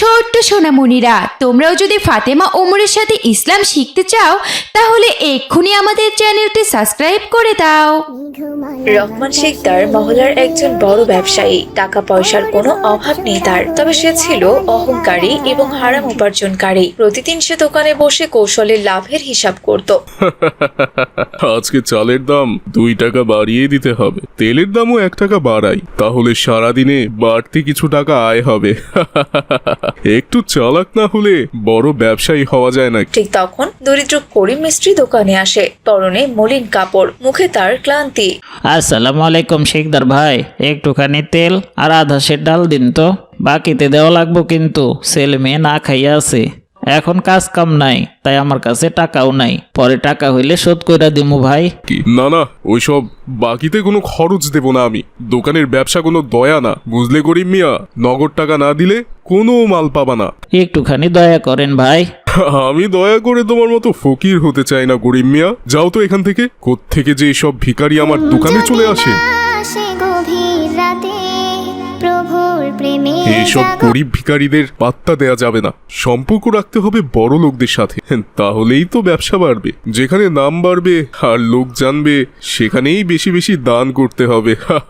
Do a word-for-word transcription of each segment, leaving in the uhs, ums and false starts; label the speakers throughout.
Speaker 1: ছোট্ট সোনামণিরা, তোমরাও যদি ফাতেমা ওমরের সাথে ইসলাম শিখতে চাও তাহলে এক্ষুনি আমাদের চ্যানেলটি সাবস্ক্রাইব করে দাও।
Speaker 2: রহমান শিকদার মহল্লার একজন বড় ব্যবসায়ী। টাকা পয়সার কোনো অভাব নেই তার, তবে সে ছিল অহংকারী এবং হারাম উপার্জনকারী। প্রতিদিন সে দোকানে বসে কৌশলে লাভের হিসাব করত।
Speaker 3: আজকে চালের দাম দুই টাকা বাড়িয়ে দিতে হবে, তেলের দামও এক টাকা বাড়াই, তাহলে সারাদিনে বাড়তি কিছু টাকা আয় হবে। একটু চালাক না হলে বড় ব্যবসায়ী হওয়া যায় না।
Speaker 2: ঠিক তখন দরিদ্র করিম মিস্ত্রি দোকানে আসে, পরনে মলিন কাপড়, মুখে তার ক্লান্তি।
Speaker 4: আসসালামু আলাইকুম শিকদার ভাই, একটুখানি তেল আর আধা সের ডাল দিন তো, বাকিতে দেওয়া লাগবো কিন্তু, ছেলে মেয়ে না খাইয়া আছে, এখন কাজ কাম নাই, তাই আমার কাছে টাকাও নাই, পরে টাকা হইলে শোধ কইরা দিমু ভাই।
Speaker 3: কি না না, ওইসব বাকিতে কোনো খরচ দেব না আমি। দোকানের ব্যবসা কোনো দয়া না, বুঝলে গরিব মিয়া? নগদ টাকা না দিলে কোনো মাল পাবা না।
Speaker 4: একটুখানি দয়া করেন ভাই।
Speaker 3: আমি দয়া করে তোমার মতো ফকির হতে চাই না গরিব মিয়া, যাও তো এখান থেকে। কোত্থেকে যে সব ভিখারি আমার দোকানে চলে আসে। এইসব গরিব ভিখারিদের পাত্তা দেয়া যাবে না, সম্পর্ক রাখতে হবে বড় লোকদের সাথে, তাহলেই তো ব্যবসা বাড়বে। যেখানে নাম বাড়বে আর লোক জানবে সেখানেই বেশি বেশি দান করতে হবে।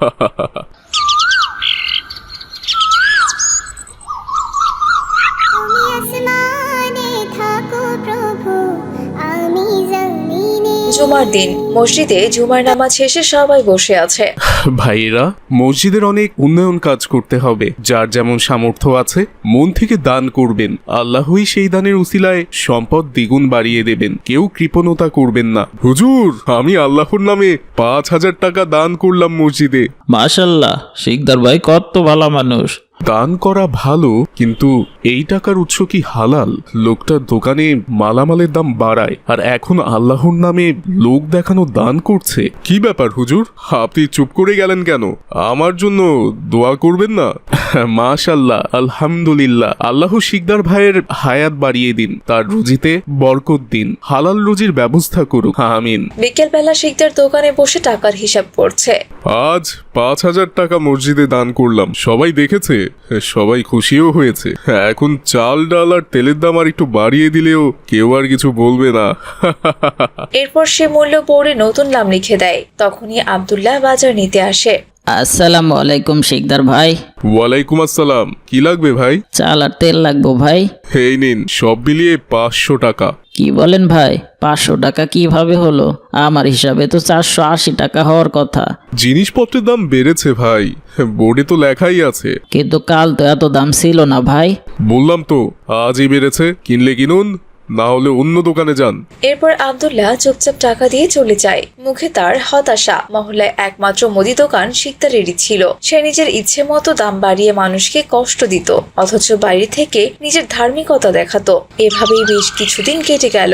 Speaker 2: জুমার দিন মসজিদে জুমার নামাজ শেষে সবাই বসে আছে।
Speaker 3: ভাইয়েরা, মসজিদের অনেক উন্নয়ন কাজ করতে হবে, যার যেমন সামর্থ্য আছে মন থেকে দান করবেন, আল্লাহই সেই দানের উসিলায় সম্পদ দ্বিগুণ বাড়িয়ে দেবেন, কেউ কৃপণতা করবেন না। হুজুর, আমি আল্লাহর নামে পাঁচ হাজার টাকা দান করলাম মসজিদে।
Speaker 4: মাশাল্লাহ, শিকদার ভাই কত ভালো মানুষ।
Speaker 3: দান করা ভালো, কিন্তু এই টাকার উৎস কি হালাল? লোকটার দোকানে মালামালের দাম বাড়ায় আর এখন আল্লাহর নামে লোক দেখানো দান করছে। কি ব্যাপার হুজুর, আপনি চুপ করে গেলেন কেন? আমার জন্য দোয়া করবেন না? মাশাল্লাহ, আলহামদুলিল্লাহ। আল্লাহ শিকদার ভাইয়ের হায়াত বাড়িয়ে দিন, তার রুজিতে বরকত দিন, হালাল রুজির ব্যবস্থা করুক, আমিন।
Speaker 2: বিকেল বেলা শিকদার দোকানে বসে টাকার হিসাব করছে।
Speaker 3: আজ পাঁচ হাজার টাকা মসজিদে দান করলাম, সবাই দেখেছে, সবাই খুশিও হয়েছে। এখন চাল ডাল আর তেলের দাম আর একটু বাড়িয়ে দিলেও কেউ আর কিছু বলবে না।
Speaker 2: এরপর সে মূল্য পড়ে নতুন নাম লিখে দেয়। তখনই আব্দুল্লাহ বাজার নিতে আসে।
Speaker 4: আসসালামু আলাইকুম শিকদার ভাই।
Speaker 3: ওয়ালাইকুম আসসালাম। কি লাগবে ভাই?
Speaker 4: চাল আর তেল লাগবো ভাই।
Speaker 3: এই নিন, সব মিলিয়ে পাঁচশো টাকা।
Speaker 4: কি বলেন ভাই, পাঁচশো টাকা কিভাবে হলো? আমার হিসাবে তো চারশো আশি টাকা হওয়ার কথা।
Speaker 3: জিনিসপত্রের দাম বেড়েছে ভাই, বোর্ডে তো লেখাই আছে।
Speaker 4: কিন্তু কাল তো এত দাম ছিল না ভাই।
Speaker 3: বললাম তো আজই বেড়েছে, কিনলে কিনুন, না হলে অন্য দোকানে যান।
Speaker 2: এরপর আব্দুল্লাহ চুপচাপ টাকা দিয়ে চলে যায়, মুখে তার হতাশা। মহল্লায় একমাত্র মুদি দোকান শিকদারেরই ছিল। সে নিজের ইচ্ছে মতো দাম বাড়িয়ে মানুষকে কষ্ট দিত, অথচ বাইরে থেকে নিজের ধার্মিকতা দেখাতো। এভাবেই বেশ কিছুদিন কেটে গেল।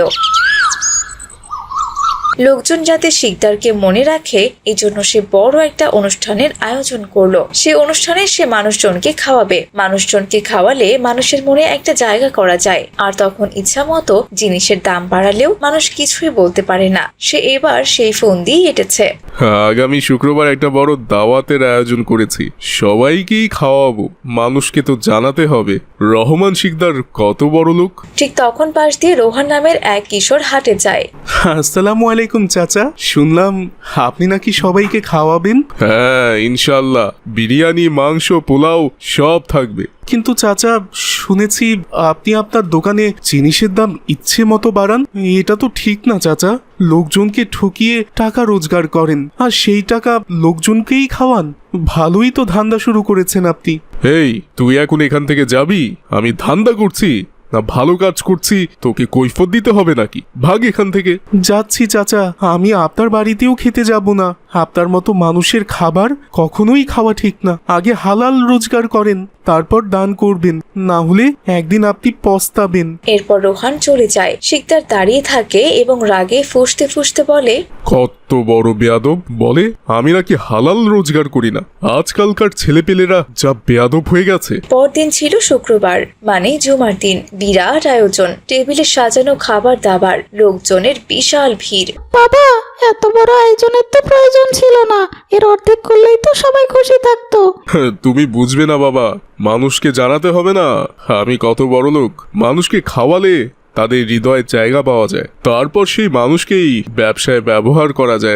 Speaker 2: লোকজন যাতে শিকদারকে মনে রাখে, এই জন্য সে বড় একটা অনুষ্ঠানের আয়োজন করলো। সে অনুষ্ঠানে সে মানুষজনকে খাওয়াবে। মানুষজনকে খাওয়ালে মানুষের মনে একটা জায়গা করা যায়, আর তখন ইচ্ছা মতো জিনিসের দাম বাড়ালেও মানুষ কিছুই বলতে পারে না। সে এবার সেই ফোন দিয়ে এঁটেছে।
Speaker 3: আগামী শুক্রবার একটা বড় দাওয়াতের আয়োজন করেছি, সবাইকেই খাওয়াবো। মানুষকে তো জানাতে হবে রহমান শিকদার কত বড় লোক।
Speaker 2: ঠিক তখন পাশ দিয়ে রোহান নামের এক কিশোর হাটে যায়।
Speaker 3: আসসালামু আলাইকুম চাচা, শুনলাম আপনি নাকি সবাইকে খাওয়াবেন? হ্যাঁ, ইনশাল্লাহ, বিরিয়ানি, মাংস, পোলাও সব থাকবে। কিন্তু চাচা, শুনেছি আপনি আপনার দোকানে জিনিসের দাম ইচ্ছে মতো বাড়ান। এটা তো ঠিক না চাচা, লোকজনকে ঠকিয়ে টাকা রোজগার করেন আর সেই টাকা লোকজনকেই খাওয়ান। ভালোই তো ধান্দা শুরু করেছেন আপনি। এই, তুই এখন এখান থেকে যাবি? আমি ধান্দা করছি না ভালো কাজ করছি তোকে কৈফত দিতে হবে নাকি? ভাগ এখান থেকে। যাচ্ছি চাচা, আমি আপনার বাড়িতেও খেতে যাব না। আপনার মতো মানুষের খাবার কখনোই খাওয়া ঠিক না। আগে হালাল রোজগার করেন, তারপর দান করবেন, না হলে একদিন আপনি পস্তাবেন।
Speaker 2: এরপর রোহান চলে যায়। শিকদার দাঁড়িয়ে থাকে এবং রাগে ফুঁসতে ফুঁসতে বলে,
Speaker 3: কত বড় বেয়াদব! বলে আমি নাকি হালাল রোজগার করি না। আজকালকার ছেলেপেলেরা যা বেয়াদব হয়ে গেছে।
Speaker 2: পরদিন ছিল শুক্রবার, মানে জুমার দিন। বিরাট আয়োজন, টেবিলে সাজানো খাবার দাবার, লোকজনের বিশাল ভিড়।
Speaker 5: বাবা, এত বড় আয়োজনের তো প্রয়োজন ছিল না, এর অর্ধেক করলেই তো সবাই খুশি থাকতো।
Speaker 3: তুমি বুঝবে না বাবা, মানুষকে জানাতে হবে না আমি কত বড় লোক। মানুষকে খাওয়ালে তাদের হৃদয়ে জায়গা পাওয়া যায়, তারপর সেই মানুষকেই ব্যবসায় ব্যবহার করা যায়।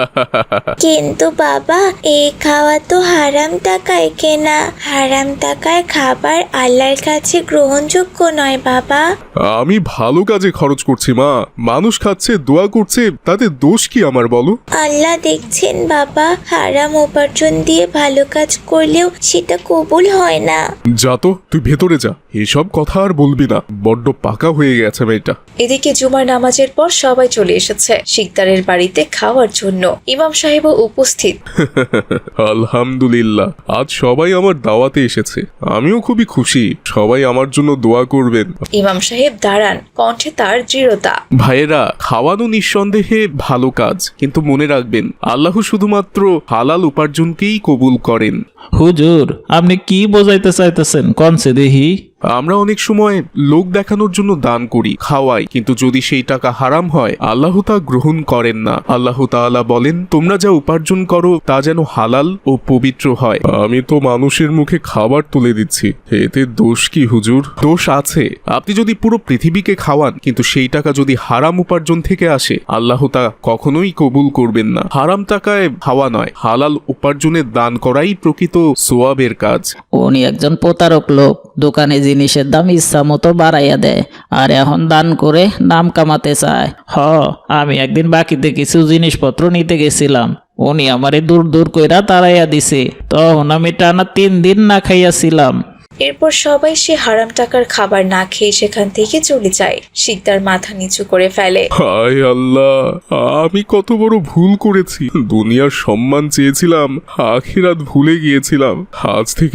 Speaker 6: কিন্তু বাবা, এই খাওয়া তো হারাম টাকায় কেনা। হারাম টাকায় খাবার আল্লাহর কাছে গ্রহণযোগ্য নয় বাবা।
Speaker 3: আমি ভালো কাজে খরচ করছি মা, মানুষ খাচ্ছে, দোয়া করছে, তাতে দোষ কি আমার বলো?
Speaker 6: আল্লাহ দেখছেন বাবা, হারাম উপার্জন দিয়ে ভালো কাজ করলেও সেটা কবুল হয় না।
Speaker 3: যা তো, তুই ভেতরে যা, এসব কথা আর বলবি না, বড্ড পাকা হয়ে গেছে মেয়েটা।
Speaker 2: এদিকে জুমার নামাজের পর সবাই চলে এসেছে শিকদারের বাড়িতে খাওয়ার জন্য। ইমাম সাহেবও উপস্থিত।
Speaker 3: আলহামদুলিল্লাহ, আজ সবাই আমার দাওয়াতে এসেছে, আমিও খুবই খুশি। সবাই আমার জন্য দোয়া করবেন।
Speaker 2: ইমাম সাহেব দাঁড়ান, কণ্ঠে তার দৃঢ়তা।
Speaker 3: ভাইয়েরা, খাওয়ানো নিঃসন্দেহে ভালো কাজ, কিন্তু মনে রাখবেন আল্লাহ শুধুমাত্র হালাল উপার্জনকেই কবুল করেন।
Speaker 4: হুজুর, আপনি কি বোঝাইতে চাইতেছেন কনসে দেহি?
Speaker 3: আমরা অনেক সময় লোক দেখানোর জন্য দান করি, খাওয়াই, কিন্তু যদি সেই টাকা হারাম হয় আল্লাহ তা গ্রহণ করেন না। আল্লাহ তাআলা বলেন, তোমরা যা উপার্জন করো তা যেন হালাল ও পবিত্র হয়। আমি তো মানুষের মুখে খাবার তুলে দিচ্ছি, এতে দোষ কি হুজুর? দোষ আছে। আপনি যদি পুরো পৃথিবীকে খাওয়ান কিন্তু সেই টাকা যদি হারাম উপার্জন থেকে আসে, আল্লাহ তা কখনোই কবুল করবেন না। হারাম টাকায় খাওয়া নয়, হালাল উপার্জনের দান করাই প্রকৃত সোয়াবের কাজ।
Speaker 4: উনি একজন প্রতারক লোক, দোকানে জিনিসের দাম ইচ্ছা মতো বাড়াইয়া দেয় আর এখন দান করে নাম কামাতে চায়। হ, আমি একদিন বাকিতে কিছু জিনিসপত্র নিতে গেছিলাম, উনি আমারে দূর দূর কইরা তাড়াইয়া দিছে, তখন আমি টানা তিন দিন না খাইয়াছিলাম।
Speaker 2: এরপর সবাই সে হারাম টাকার খাবার না খেয়ে সেখান থেকে চলে যায়। শিকদার মাথা নিচু করে ফেলে।
Speaker 3: হায় আল্লাহ, আমি কত বড় ভুল করেছি। দুনিয়ার সম্মান চেয়েছিলাম, আখিরাত ভুলে গিয়েছিলাম। আজ থেকে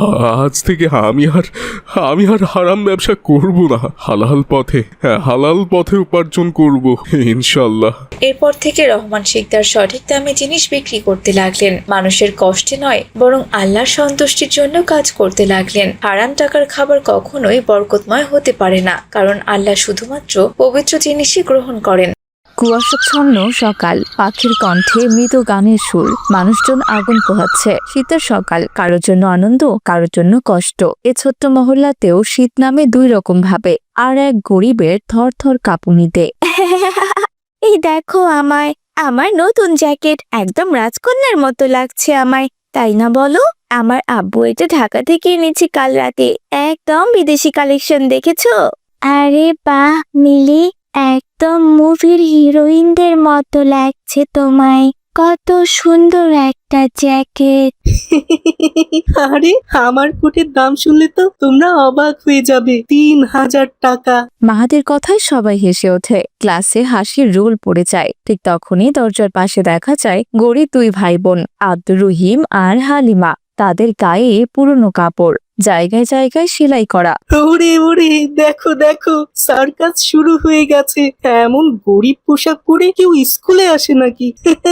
Speaker 3: আজ থেকে আমি আর আমি আর হারাম ব্যবসা করব না। হালাল পথে হ্যাঁ হালাল পথে উপার্জন করব ইনশাল্লাহ।
Speaker 2: এরপর থেকে রহমান শিকদার সঠিক দামে জিনিস বিক্রি করতে লাগলেন। মানুষের কষ্টে নয়, বরং আল্লাহর সন্তুষ্টির জন্য কাজ করতে লাগলেন। হারাম টাকার খাবার কখনোই বরকতময় হতে পারে না, কারণ আল্লাহ শুধুমাত্র পবিত্র জিনিসই গ্রহণ করেন।
Speaker 7: কুয়াশাচ্ছন্ন সকাল, পাখির কণ্ঠে মৃদু গানের সুর, মানুষজন আগুন পোহাচ্ছে। শীতের সকাল, কারোর জন্য আনন্দ, কারোর জন্য কষ্ট। এ ছোট্ট মহল্লাতেও শীত নামে দুই রকম ভাবে, আর এক গরিবের থর থর কাঁপুনিতে।
Speaker 6: এই দেখো আমায়, আমার নতুন জ্যাকেট, একদম রাজকন্যার মতো লাগছে আমায়, তাই না বলো? আমার আব্বু এটা ঢাকা থেকে এনেছি কাল রাতে, একদম বিদেশি কালেকশন, দেখেছো? আরে বাহ মিলি, একদম মুভির হিরোইনদের মতো লাগছে তোমায়। কত সুন্দর একটা জ্যাকেট।
Speaker 8: আরে আমার কোটের দাম শুনলে তো তোমরা অবাক হয়ে যাবে, তিন হাজার টাকা।
Speaker 7: মাহাদের কথায় সবাই হেসে ওঠে, ক্লাসে হাসির রোল পড়ে যায়। ঠিক তখনই দরজার পাশে দেখা যায় গরিব দুই ভাই বোন, আব্দুর রহিম আর হালিমা। তাদের গায়ে পুরনো কাপড়, জায়গায় জায়গায় সেলাই করা।
Speaker 8: ওরে ওরে, দেখো দেখো, সার্কাস শুরু হয়ে গেছে। এমন গরিব পোশাক পরে কেউ স্কুলে আসে নাকি?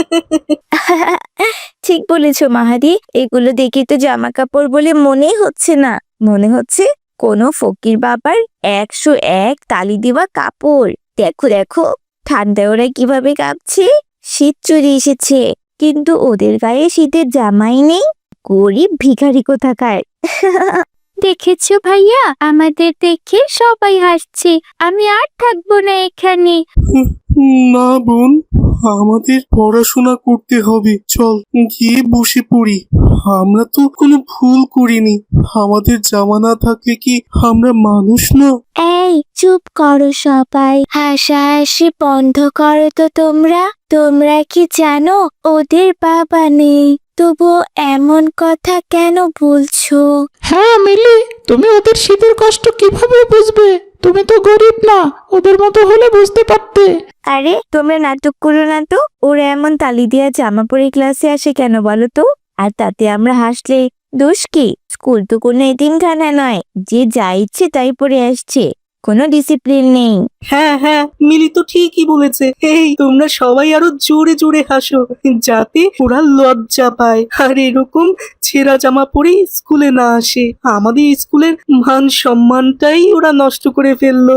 Speaker 6: ঠিক বলেছো মাহাদি, এগুলো দেখে তো জামা কাপড় বলে মনেই হচ্ছে না, মনে হচ্ছে কোনো ফকির বাবার একশো এক তালি দেওয়া কাপড়। দেখো দেখো, ঠান্ডায় ওরা কিভাবে কাঁপছে। শীত চলে এসেছে, কিন্তু ওদের গায়ে শীতের জামাই নেই। গরিব ভিখারি কোথাকার। দেখেছো ভাইয়া, আমাদের দেখে সবাই হাসছে, আমি আর থাকবো না এখানে।
Speaker 8: না বোন, আমাদের পড়াশোনা করতে হবে, চল গিয়ে বসে পড়ি। আমরা তো কোনো ভুল করিনি, আমাদের জামা না থাকলে কি আমরা মানুষ না?
Speaker 6: এই চুপ করো সবাই, হাসাহাসি বন্ধ করো তো তোমরা। তোমরা কি জানো ওদের বাবা নেই, তবুও এমন কথা কেন বলছো?
Speaker 5: হ্যাঁ মিলি, তুমি ওদের শীতের কষ্ট কিভাবে বুঝবে? তুমি তো গরিব না, ওদের মতো হলে বুঝতে পারতে।
Speaker 6: আরে তোমরা নাটক করো না তো, ওরা এমন তালি দিয়া জামা পরে ক্লাসে আসে কেন বলো তো? আর তাতে আমরা হাসলে দোষ কি? স্কুল তো কোনো এতিমখানা নয় যে যা ইচ্ছে তাই পরে আসছে। কোনো ডিসিপ্লিন নেই।
Speaker 5: হ্যাঁ হ্যাঁ, মিলি তো ঠিকই বলেছে। এই তোমরা সবাই আরো জোরে জোরে হাসো, যাতে ওরা লজ্জা পায় আর এরকম ছেঁড়া জামা পরে স্কুলে না আসে। আমাদের স্কুলের মান সম্মানটাই ওরা নষ্ট করে ফেললো।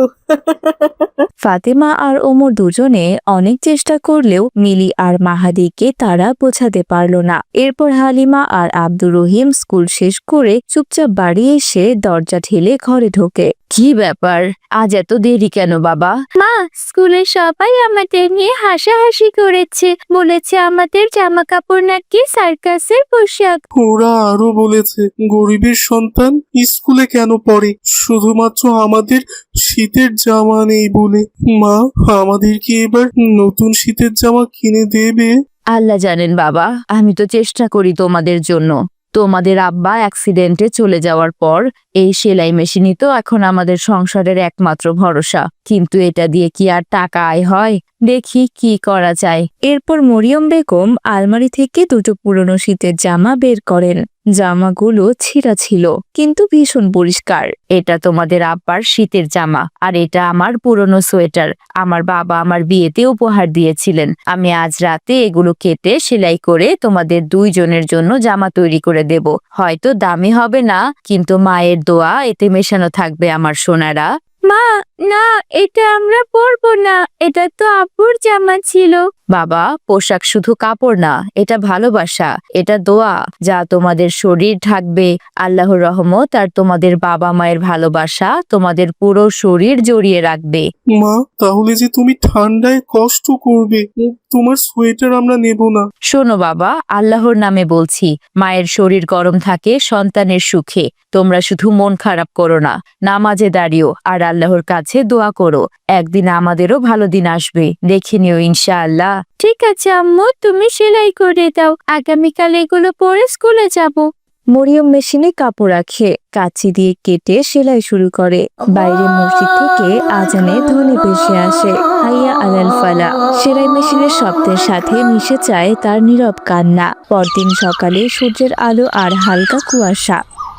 Speaker 7: ফাতেমা আর ওমর দুজনে অনেক চেষ্টা করলেও মিলি আর মাহাদিকে তারা বোঝাতে পারল না। এরপর হালিমা আর আব্দুর রহিম স্কুল শেষ করে চুপচাপ বাড়ি এসে দরজা ঠেলে ঘরে ঢোকে। কি ব্যাপার, আজ এত দেরি কেন বাবা?
Speaker 6: মা, স্কুলের সবাই আমাদের নিয়ে হাসাহাসি করেছে, বলেছে আমাদের জামা কাপড় নাকি সার্কাসের পোশাক।
Speaker 8: ওরা আরো বলেছে গরিবের সন্তান স্কুলে কেন পড়ে, শুধুমাত্র আমাদের শীতের জামা নেই বলে। মা, আমাদের কি এবার নতুন শীতের জামা কিনে দেবে?
Speaker 7: আল্লাহ জানেন বাবা, আমি তো চেষ্টা করি তোমাদের জন্য। তোমাদের আব্বা অ্যাক্সিডেন্টে চলে যাওয়ার পর এই সেলাই মেশিনই তো এখন আমাদের সংসারের একমাত্র ভরসা। কিন্তু এটা দিয়ে কি আর টাকা আয় হয়? দেখি কি করা যায়। এরপর মরিয়ম বেগম আলমারি থেকে দুটো পুরনো শীতের জামা বের করেন। জামাগুলো ছিঁড়া ছিল, কিন্তু ভীষণ পরিষ্কার। এটা তোমাদের আব্বার শীতের জামা, আর এটা আমার পুরনো সোয়েটার। আমার বাবা আমার বিয়েতে উপহার দিয়েছিলেন। আমি আজ রাতে এগুলো কেটে সেলাই করে তোমাদের দুইজনের জন্য জামা তৈরি করে দেব। হয়তো দামি হবে না, কিন্তু মায়ের দোয়া এতে মেশানো থাকবে আমার সোনারা।
Speaker 6: মা, না, এটা আমরা পরবো না, এটা তো আব্বুর জামা ছিল।
Speaker 7: বাবা, পোশাক শুধু কাপড় না, এটা ভালোবাসা, এটা দোয়া যা তোমাদের শরীর ঢাকবে। আল্লাহর রহমত আর তোমাদের বাবা মায়ের ভালোবাসা তোমাদের পুরো শরীর জড়িয়ে রাখবে।
Speaker 8: মা, তাহলে যে তুমি ঠান্ডায় কষ্ট করবে, তোমার সোয়েটার আমরা নেব না।
Speaker 7: শোনো বাবা, আল্লাহর নামে বলছি, মায়ের শরীর গরম থাকে সন্তানের সুখে। তোমরা শুধু মন খারাপ করো না, নামাজে দাঁড়িও আর আল্লাহর কাছে দোয়া করো। একদিন আমাদেরও ভালো দিন আসবে, দেখে নিও ইনশাআল্লাহ।
Speaker 6: ঠিক আছে আম্মু, তুমি সেলাই করে দাও, আগামীকাল এগুলো পরে স্কুলে যাব।
Speaker 7: মরিয়ম মেশিনে কাপড় রাখে, কাঁচি দিয়ে কেটে সেলাই শুরু করে। বাইরে মসজিদ থেকে আজানের ধ্বনি ভেসে আসে, হাইয়া আলাল ফালা। সেলাই মেশিনের শব্দের সাথে মিশে যায় তার নীরব কান্না। পরদিন সকালে সূর্যের আলো আর হালকা কুয়াশা।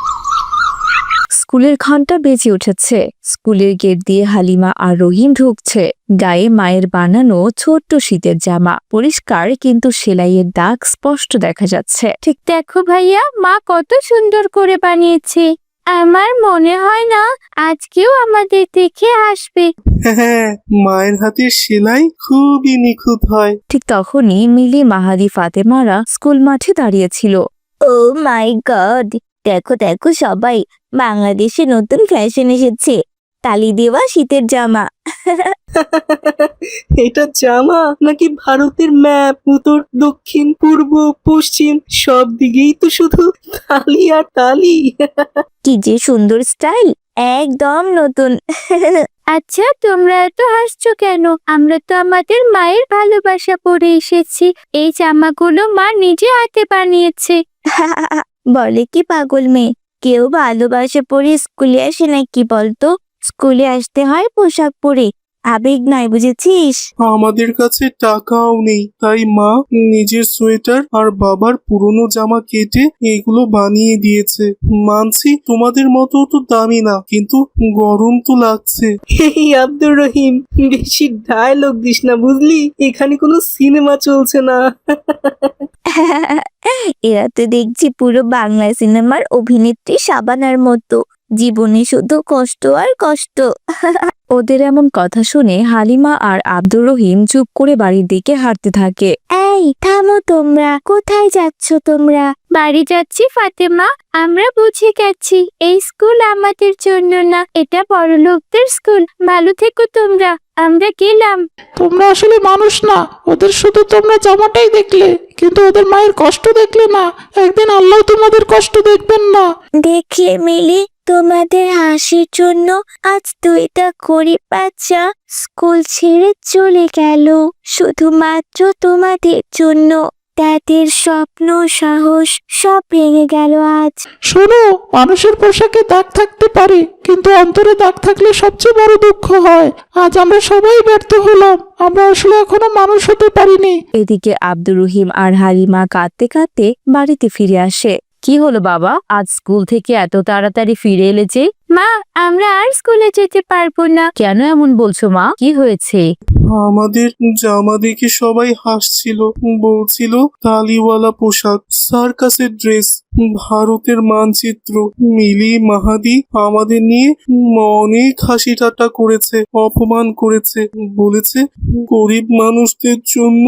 Speaker 7: স্কুলের ঘন্টা বেজে উঠেছে। স্কুলের গেট দিয়ে হালিমা আর রহিম ঢুকছে। গায়ে মায়ের বানানো ছোট্ট শীতের জামা, পরিষ্কার কিন্তু সেলাইয়ের দাগ স্পষ্ট দেখা যাচ্ছে।
Speaker 6: ঠিক দেখো ভাইয়া, মা কত সুন্দর করে বানিয়েছে। আমার মনে হয় না আজকেও আমাদের দেখে আসবে।
Speaker 8: হ্যাঁ, মায়ের হাতের সেলাই খুবই নিখুঁত হয়।
Speaker 7: ঠিক তখনই মিলি, মাহাদি, ফাতেমারা স্কুল মাঠে দাঁড়িয়েছিল।
Speaker 6: ও মাই গড, দেখো দেখো সবাই, বাংলাদেশে নতুন ফ্যাশন এসেছে, তালি দেওয়া শীতের জামা।
Speaker 5: এটা জামা নাকি ভারতের ম্যাপ? উত্তর, দক্ষিণ, পূর্ব, পশ্চিম সব দিকেই তো শুধু তালি আর তালি।
Speaker 6: কি যে সুন্দর স্টাইল, একদম নতুন। আচ্ছা, তোমরা এত হাসছো কেন? আমরা তো আমাদের মায়ের ভালোবাসা পরে এসেছি। এই জামাগুলো মা নিজে হাতে বানিয়েছে। বলে কি পাগল মেয়ে, কেউ ভালোবাসা পরে স্কুলে আসে নাকি বলতো? স্কুলে আসতে হয় পোশাক পরে, আবেগ নয়, বুঝেছিস?
Speaker 8: আমাদের কাছে টাকাও নেই, তাই মা নিজের সোয়েটার আর বাবার পুরনো জামা কেটে এগুলো বানিয়ে দিয়েছে। মানছি তোমাদের মতো তো দামি না, কিন্তু গরম তো লাগছে।
Speaker 5: এই আব্দুর রহিম, বেশি ডায়লগ দিস না বুঝলি, এখানে কোনো সিনেমা চলছে না।
Speaker 6: এরা তো দেখছি পুরো বাংলা সিনেমার অভিনেত্রী শাবানার মতো, জীবনে শুধু কষ্ট আর কষ্ট।
Speaker 7: ওদের এমন কথা শুনে হালিমা আর আব্দুর রহিম চুপ করে বাড়ির দিকে হাঁটতে থাকে।
Speaker 6: এই থামো তোমরা, কোথায় যাচ্ছ তোমরা? বাড়ি যাচ্ছি ফাতেমা, আমরা বুঝে গেছি এই স্কুল আমাদের জন্য না, এটা বড়লোকদের স্কুল। ভালো থেকো তোমরা, আমরা গেলাম।
Speaker 5: তোমরা আসলে মানুষ না, ওদের শুধু তোমরা জামাটাই দেখলে, কিন্তু ওদের মায়ের কষ্ট দেখলে না। একদিন আল্লাহ তোমাদের কষ্ট দেখবেন না।
Speaker 6: দেখলে মিলি, তোমাদের হাসির জন্য আজ দুইটা গরিব বাচ্চা স্কুল ছেড়ে চলে গেল, শুধুমাত্র তোমাদের জন্য। তাদের স্বপ্ন, সাহস সব ভেঙে গেল আজ।
Speaker 5: শোনো, মানুষের পোশাকে দাগ থাকতে পারে, কিন্তু অন্তরে দাগ থাকলে সবচেয়ে বড় দুঃখ হয়। আজ আমরা সবাই ব্যর্থ হলাম, আমরা আসলে এখনো মানুষ হতে পারিনি।
Speaker 7: এদিকে আব্দুর রহিম আর হালিমা কাঁদতে কাঁদতে বাড়িতে ফিরে আসে। কি হলো বাবা, আজ স্কুল থেকে এত তাড়াতাড়ি ফিরে এলে যে? মা, আমরা আর স্কুলে যেতে পারবো না। কেন এমন বলছো মা, কি হয়েছে?
Speaker 8: আমাদের জামা দেখে সবাই হাসছিল, বলছিল তালিওয়ালা পোশাক, সার্কাসের ড্রেস, ভারতের মানচিত্র। মিলি মাহাদি আমাদের নিয়ে অনেক হাসি ঠাট্টা করেছে, অপমান করেছে, বলেছে গরিব মানুষদের জন্য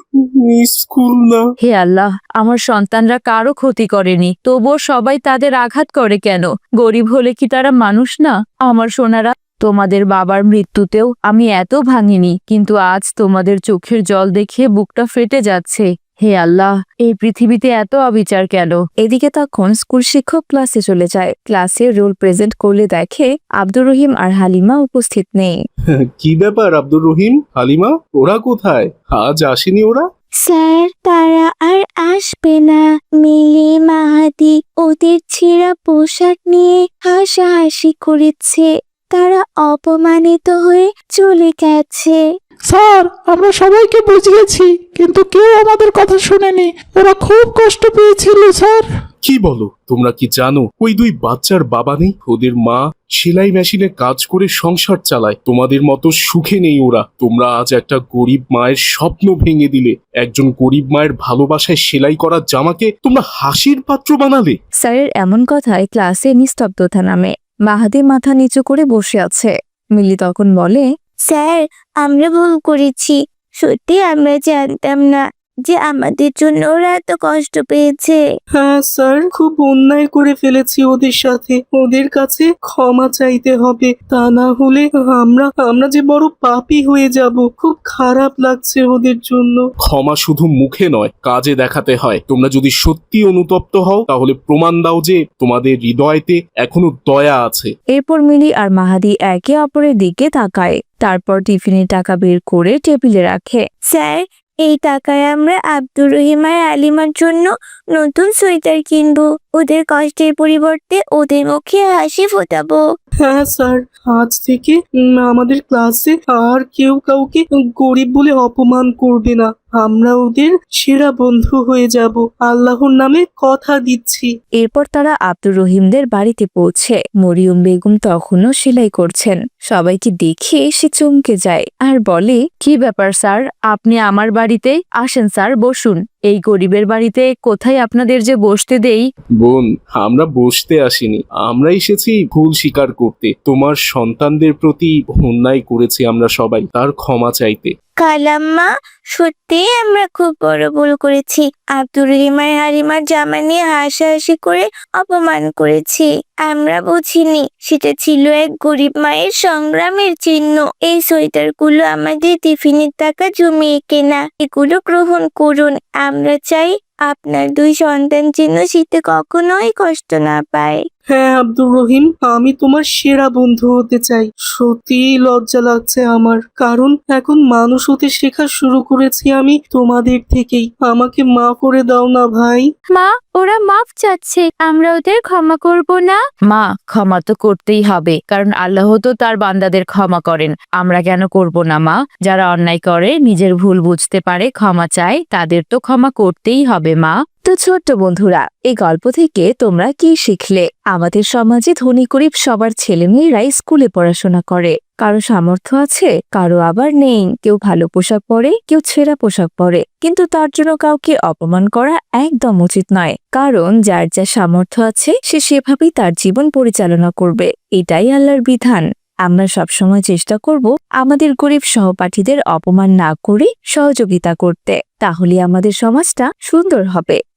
Speaker 8: স্কুল না।
Speaker 7: হে আল্লাহ, আমার সন্তানরা কারো ক্ষতি করেনি, তবুও সবাই তাদের আঘাত করে কেন? গরিব হলে কি তারা মানুষ না? আমার সোনারা, তোমাদের বাবার মৃত্যুতেও আমি এত ভাঙিনি, কিন্তু আজ তোমাদের চোখের জল দেখে বুকটা ফেটে যাচ্ছে। হে আল্লাহ, এই পৃথিবীতে এত অবিচার কেন? এদিকে তখন স্কুল শিক্ষক ক্লাসে চলে যায়। ক্লাসে রোল প্রেজেন্ট করলে দেখে আব্দুর রহিম আর হালিমা উপস্থিত নেই।
Speaker 3: কি ব্যাপার আব্দুর রহিম, হালিমা, ওরা কোথায়? আজ আসেনি ওরা?
Speaker 6: স্যার, তারা আর আসবে না। মিলি মাহাদি ওদের ছেঁড়া পোশাক নিয়ে হাসাহাসি করেছে। তারা অপমানিত হয়ে চলে গেছে।
Speaker 4: স্যার, আমরা সবাইকে বুঝিয়েছি, কিন্তু কেউ আমাদের কথা শুনেনি। ওরা খুব কষ্ট পেয়েছিল স্যার।
Speaker 3: কি বলো? তোমরা কি জানো ওই দুই বাচ্চার বাবা নেই? ওদের মা সেলাই মেশিনে কাজ করে সংসার চালায়। তোমাদের মতো সুখে নেই ওরা। তোমরা আজ একটা গরিব মায়ের স্বপ্ন ভেঙে দিলে। একজন গরিব মায়ের ভালোবাসায় সেলাই করা জামাকে তোমরা হাসির পাত্র বানালে।
Speaker 7: স্যারের এমন কথায় ক্লাসে নিস্তব্ধতা নামে। মাহাদি মাথা নিচু করে বসে আছে। মিলি তখন বলে,
Speaker 6: স্যার, আমরা ভুল করেছি। সত্যি আমরা জানতাম না যে আমাদের জন্য ওরা এত কষ্ট পেয়েছে।
Speaker 5: হ্যাঁ স্যার, খুব অন্যায় করে ফেলেছি ওদের সাথে। ওদের কাছে ক্ষমা চাইতে হবে, তা না হলে আমরা আমরা যে বড় পাপী হয়ে যাব। খুব খারাপ লাগছে ওদের জন্য।
Speaker 3: ক্ষমা শুধু মুখে নয়, কাজে দেখাতে হয়। তোমরা যদি সত্যি অনুতপ্ত হও তাহলে প্রমাণ দাও যে তোমাদের হৃদয়তে এখনো দয়া আছে।
Speaker 7: এরপর মিলি আর মাহাদি একে অপরের দিকে তাকায়। তারপর টিফিনের টাকা বের করে টেবিলে রাখে।
Speaker 6: স্যার, এই টাকায় আমরা আব্দুর রহিম আর আলিমার জন্য নতুন সোয়েটার কিনবো। ওদের কষ্টের পরিবর্তে ওদের মুখে হাসি ফোটাবো।
Speaker 5: হ্যাঁ স্যার, আজ থেকে উম, আমাদের ক্লাসে আর কেউ কাউকে গরিব বলে অপমান করবে না। আমরা ওদের সেরা বন্ধু হয়ে যাব, আল্লাহর নামে কথা দিচ্ছি।
Speaker 7: এরপর তারা আব্দুর রহিমদের বাড়িতে পৌঁছে। মরিয়ম বেগম তখনও সেলাই করছেন। সবাইকে দেখে সে চমকে যায় আর বলে, কি ব্যাপার স্যার, আপনি আমার বাড়িতে? আসেন স্যার, বসুন। এই গরিবের বাড়িতে কোথায় আপনাদের যে বসতে দেই?
Speaker 3: বোন, আমরা বসতে আসিনি, আমরা এসেছি ভুল স্বীকার করতে। তোমার সন্তানদের প্রতি অন্যায় করেছি আমরা সবাই, তার ক্ষমা চাইতে।
Speaker 6: কালাম্মা, সত্যি আমরা খুব বড় ভুল করেছি। আব্দুর রহিম আর হালিমার জামা নিয়ে হাসাহাসি করে অপমান করেছি। আমরা বুঝিনি সেটা ছিল এক গরিব মায়ের সংগ্রামের চিহ্ন। এই সোয়েটার গুলো আমাদের টিফিনের টাকা জমিয়ে কেনা। এগুলো গ্রহণ করুন। আমরা চাই আপনার দুই সন্তান যেন শীতে কখনোই কষ্ট না পায়।
Speaker 5: হ্যাঁ আব্দুর রহিম, আমি তোমার সেরা বন্ধু হতে চাই। সত্যি লজ্জা লাগছে আমার, কারণ এখন মানুষ হতে শেখা শুরু করেছি আমি তোমাদের থেকেই। আমাকে মাফ করে দাও না ভাই।
Speaker 6: মা, ওরা মাফ চাচ্ছে, আমরা ওদের ক্ষমা করব না?
Speaker 7: মা, ক্ষমা তো করতেই হবে, কারণ আল্লাহ তো তার বান্দাদের ক্ষমা করেন। আমরা কেন করব না মা? যারা অন্যায় করে, নিজের ভুল বুঝতে পারে, ক্ষমা চায়, তাদের তো ক্ষমা করতেই হবে মা। তো ছোট্ট বন্ধুরা, এই গল্প থেকে তোমরা কি শিখলে? আমাদের সমাজে ধনী গরিব সবার ছেলে মেয়েরাই স্কুলে পড়াশোনা করে। কারো সামর্থ্য আছে, কারো আবার নেই। কেউ ভালো পোশাক পরে, কেউ ছেঁড়া পোশাক পরে, কিন্তু তার জন্য কাউকে অপমান করা একদম উচিত নয়। কারণ যার যা সামর্থ্য আছে সে সেভাবেই তার জীবন পরিচালনা করবে। এটাই আল্লাহর বিধান। আমরা সবসময় চেষ্টা করব আমাদের গরিব সহপাঠীদের অপমান না করে সহযোগিতা করতে। তাহলে আমাদের সমাজটা সুন্দর হবে।